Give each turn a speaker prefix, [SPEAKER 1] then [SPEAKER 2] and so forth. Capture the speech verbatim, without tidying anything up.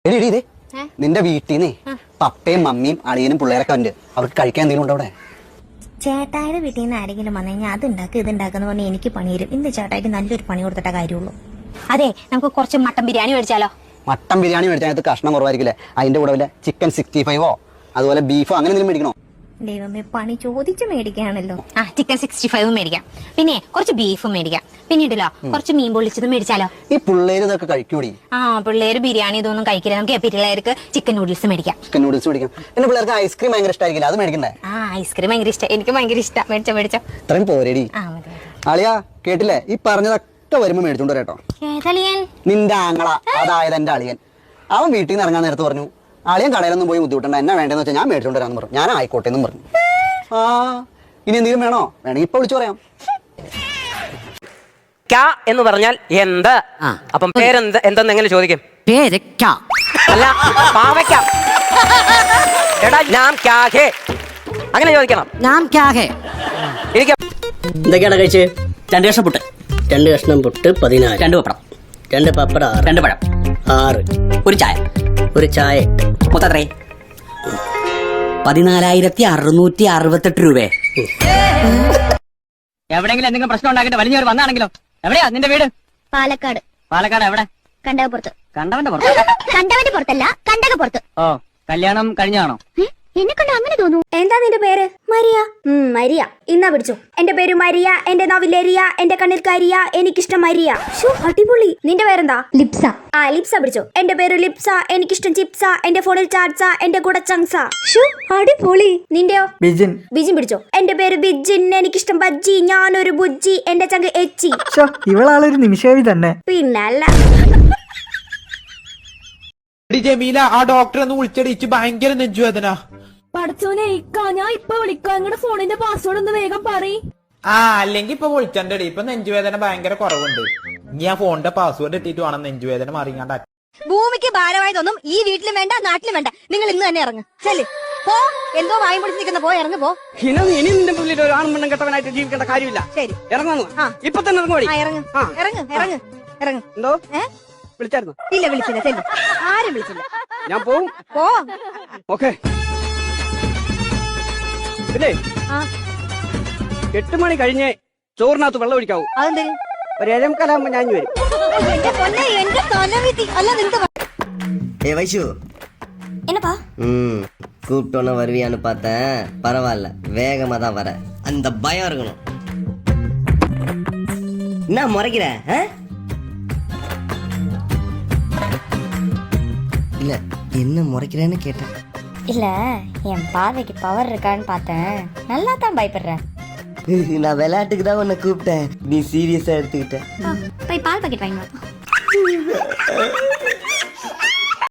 [SPEAKER 1] നിന്റെ വീട്ടിൽ നിന്ന് പപ്പയും മമ്മിയും അളിയനും പിള്ളേരൊക്കെ ഉണ്ട്. അവർക്ക് കഴിക്കാൻ എന്തെങ്കിലും ഉണ്ടോ അവിടെ?
[SPEAKER 2] ചേട്ടായുടെ വീട്ടിൽ നിന്ന് ആരെങ്കിലും വന്നു കഴിഞ്ഞാൽ അത് ഉണ്ടാക്കുക ഇത് ഉണ്ടാക്കുന്ന പറഞ്ഞാൽ എനിക്ക് പണി തരും. ഇന്ന് ചേട്ടായിക്ക് നല്ലൊരു പണി കൊടുത്തിട്ട കാര്യമുള്ളൂ.
[SPEAKER 3] അതെ, നമുക്ക് കുറച്ച് മട്ടൻ ബിരിയാണി മേടിച്ചാലോ?
[SPEAKER 1] മട്ടൻ ബിരിയാണി മേടിച്ചാൽ കഷ്ണം കുറവായിരിക്കില്ലേ? അതിന്റെ കൂടെ വല്ല ചിക്കൻ സിക്സ്റ്റി ഫൈവോ അതുപോലെ ബീഫോ അങ്ങനെ എന്തെങ്കിലും മേടിക്കണോ?
[SPEAKER 2] ദൈവമേ, പണി ചോദിച്ചു മേടിക്കുകയാണല്ലോ.
[SPEAKER 3] ആ ചിക്കൻ സിക്സ്റ്റി ഫൈവും മേടിക്കാം, പിന്നെ കുറച്ച് ബീഫും മേടിക്കാം, പിന്നീടല്ലോ കുറച്ച് മീൻ പൊള്ളിച്ചതും മേടിച്ചാലോ?
[SPEAKER 1] ഈ പിള്ളേര് ഇതൊക്കെ കഴിക്കൂടി.
[SPEAKER 3] ആ പിള്ളേര് ബിരിയാണി ഇതൊന്നും കഴിക്കില്ല. നമുക്ക് പിള്ളേർക്ക് ചിക്കൻ നൂഡിൽസ് മേടിക്കാം.
[SPEAKER 1] ചിക്കൻ നൂഡിൽസ് മേടിക്കാം. പിന്നെ പിള്ളേർക്ക് ഐസ്ക്രീം ഭയങ്കര ഇഷ്ടമായിരിക്കില്ല, അത് മേടിക്കണ്ടേ?
[SPEAKER 3] ആ ഐസ്ക്രീം ഭയങ്കര ഇഷ്ടം, എനിക്ക് ഭയങ്കര ഇഷ്ടം. മേടിച്ചോ മേടിച്ചോ.
[SPEAKER 1] ഇത്രയും പോരേടി.
[SPEAKER 3] ആ മതി.
[SPEAKER 1] അളിയാ കേട്ടില്ലേ? ഈ പറഞ്ഞതൊക്കെ വരുമ്പോ മേടിച്ചോണ്ട് കേട്ടോ.
[SPEAKER 3] ഏതളിയൻ?
[SPEAKER 1] നിന്റെ ആങ്ങള, അതായത് എന്റെ അളിയൻ. അവൻ വീട്ടിൽ നിന്ന് ഇറങ്ങാൻ നേരത്ത് പറഞ്ഞു, അളിയൻ കടയിലൊന്നും പോയി ബുദ്ധിമുട്ടണ്ട, എന്നാ വേണ്ടെന്ന് വെച്ചാൽ ഞാൻ മേടിച്ചോണ്ട് വരാന്ന് പറഞ്ഞു. ഞാൻ ആയിക്കോട്ടെ എന്നും പറഞ്ഞു. ആ ഇനി എന്തെങ്കിലും വേണോ? വേണമെങ്കിൽ ഇപ്പൊ വിളിച്ചു പറയാം.
[SPEAKER 4] ക്യാ എന്ന് പറഞ്ഞാൽ എന്ത്? അപ്പം പേരെന്ത് എന്തെന്ന് എങ്ങനെ ചോദിക്കും?
[SPEAKER 5] പേര് ക്യാ
[SPEAKER 4] അല്ല, പാവയ്ക്ക. എടാ നാം ക്യാ ഹേ അങ്ങനെ ചോദിക്കണം.
[SPEAKER 5] നാം ക്യാ ഹേ.
[SPEAKER 4] എനിക്ക്
[SPEAKER 6] എന്തൊക്കെയാണ് കഴിച്ച്? രണ്ട് കഷ്ണം പുട്ട്. രണ്ട് കഷ്ണം പുട്ട് പതിനാല്. രണ്ട് പപ്പടം. രണ്ട് പപ്പടം ആറ്. രണ്ട് പഴം ആറ്. ഒരു ചായ. ഒരു ചായ എട്ട്. മൊത്തം എത്രേ?
[SPEAKER 5] പതിനാലായിരത്തി അറുന്നൂറ്റി അറുപത്തെട്ട് രൂപയെ.
[SPEAKER 6] എവിടെയെങ്കിലും എന്തെങ്കിലും പ്രശ്നം ഉണ്ടാക്കിട്ട് വലിഞ്ഞവർ വന്നാണെങ്കിലോ? എവിടെയാ നിന്റെ വീട്?
[SPEAKER 2] പാലക്കാട്.
[SPEAKER 6] പാലക്കാട് എവിടെ?
[SPEAKER 2] കണ്ടകപ്പുറത്ത്.
[SPEAKER 6] കണ്ടവന്റെ പുറത്ത്?
[SPEAKER 2] കണ്ടവന്റെ പുറത്തല്ല, കണ്ടകപ്പുറത്ത്.
[SPEAKER 6] ഓ, കല്യാണം കഴിഞ്ഞാണോ?
[SPEAKER 2] എന്നെ കണ്ട അങ്ങനെ തോന്നുന്നു.
[SPEAKER 7] എന്താ നിന്റെ പേര്? മരിയ. മരിയ ഇന്നാ പിടിച്ചു. എന്റെ പേര് മരിയ, എന്റെ നാവിലേറിയ, എന്റെ കണ്ണിൽ കരിയ, എനിക്കിഷ്ടം മരിയ. ഷോ അടിപൊളി. നിന്റെ പേരെന്താ?
[SPEAKER 2] ലിപ്സ.
[SPEAKER 7] ആ ലിപ്സ പിടിച്ചോ. എന്റെ പേര് ലിപ്സ, എനിക്കിഷ്ടം ചിപ്സ, എന്റെ ഫോണിൽ ചാറ്റ്സ, എന്റെ കൂടെ ചങ്സ.
[SPEAKER 2] ഷോ അടിപൊളി.
[SPEAKER 7] നിന്റെയോ?
[SPEAKER 8] ബിജിൻ.
[SPEAKER 7] ബിജിൻ പിടിച്ചോ. എന്റെ പേര് ബിജിൻ, എനിക്കിഷ്ടം ബജ്ജി, ഞാനൊരു ബുജ്ജി, എന്റെ ചങ്ക് എച്ചി.
[SPEAKER 8] ഇവളാളൊരു നിമിഷേവി തന്നെ.
[SPEAKER 7] പിന്നല്ല.
[SPEAKER 9] ജമീല, ആ ഡോക്ടർ ഒന്ന് വിളിച്ചടിച്ച് ഭയങ്കര നെഞ്ചുവേദന.
[SPEAKER 7] പഠിച്ചോനെ ഇക്കാ, ഞാൻ ഇപ്പൊ വിളിക്കാം. നിങ്ങളുടെ ഫോണിന്റെ പാസ്വേഡ് ഒന്ന് വേഗം പറയ്.
[SPEAKER 9] ആ അല്ലെങ്കിൽ ഇപ്പൊ വിളിച്ചണ്ടടി, ഇപ്പൊ നെഞ്ചുവേദന ഭയങ്കര കുറവുണ്ട്. ഇനി ആ ഫോണിന്റെ പാസ്വേഡ് ഇട്ടിട്ട് വേണം നെഞ്ചുവേദന മാറിയാണ്ട്.
[SPEAKER 3] ഭൂമിക്ക് ഭാരമായതൊന്നും ഈ വീട്ടിലും വേണ്ട നാട്ടിലും വേണ്ട. നിങ്ങൾ ഇന്ന് തന്നെ ഇറങ്ങ്. ചെല് പോ. എന്തോ വായും പിടിച്ച് നിൽക്കുന്ന പോ, ഇറങ്ങ് പോ.
[SPEAKER 6] ഇനി നിന്റെ മുന്നിൽ ഒരു ആൺമണ്ണം കെട്ടവനായിട്ട് ജീവിക്കേണ്ട കാര്യമില്ല.
[SPEAKER 3] ശരി
[SPEAKER 6] ഇറങ്ങുന്നു.
[SPEAKER 3] ആ.
[SPEAKER 6] ഇപ്പൊ തന്നെ ഇറങ്ങുവടി.
[SPEAKER 3] ആ ഇറങ്ങ് ഇറങ്ങ് ഇറങ്ങ് ഇറങ്ങ്.
[SPEAKER 6] എന്തോ
[SPEAKER 3] ഏ
[SPEAKER 6] വിളിച്ചായിരുന്നു?
[SPEAKER 3] ഇല്ല വിളിച്ചില്ല. ചെല്ലു. ആരും വിളിച്ചില്ല.
[SPEAKER 6] ഞാൻ പോവും.
[SPEAKER 3] പോ.
[SPEAKER 6] ഓക്കെ. പിന്നെ
[SPEAKER 3] ആ
[SPEAKER 6] എട്ട് മണി കഴിഞ്ഞ് ചോറിനകത്ത് വെള്ളം ഒഴിക്കാവൂ.
[SPEAKER 3] അതെന്ത്?
[SPEAKER 6] ഒരു ഏഴം കാലാകുമ്പോ ഞാൻ വരും.
[SPEAKER 3] എന്റെ പൊന്നെ, എന്റെ തലവിധി. അല്ല നിന്റെ
[SPEAKER 10] ஏ வைஷு,
[SPEAKER 7] என்னப்பா?
[SPEAKER 10] ம் கூப்பிட்டோன்னு வருவியான்னு பார்த்தேன். பரவாயில்ல, வேகமாக தான் வர. அந்த பயம் இருக்கணும். என்ன முறைக்கிற? இல்லை, என்ன முறைக்கிறேன்னு கேட்டேன்.
[SPEAKER 2] இல்ல, என் பார்வைக்கு பவர் இருக்கான்னு பார்த்தேன். நல்லா தான் பயப்படுறேன்.
[SPEAKER 10] நான் விளையாட்டுக்கு தான் உன்னை கூப்பிட்டேன், நீ சீரியஸாக எடுத்துக்கிட்ட.
[SPEAKER 2] போய் பால் பாக்கெட் வாங்கி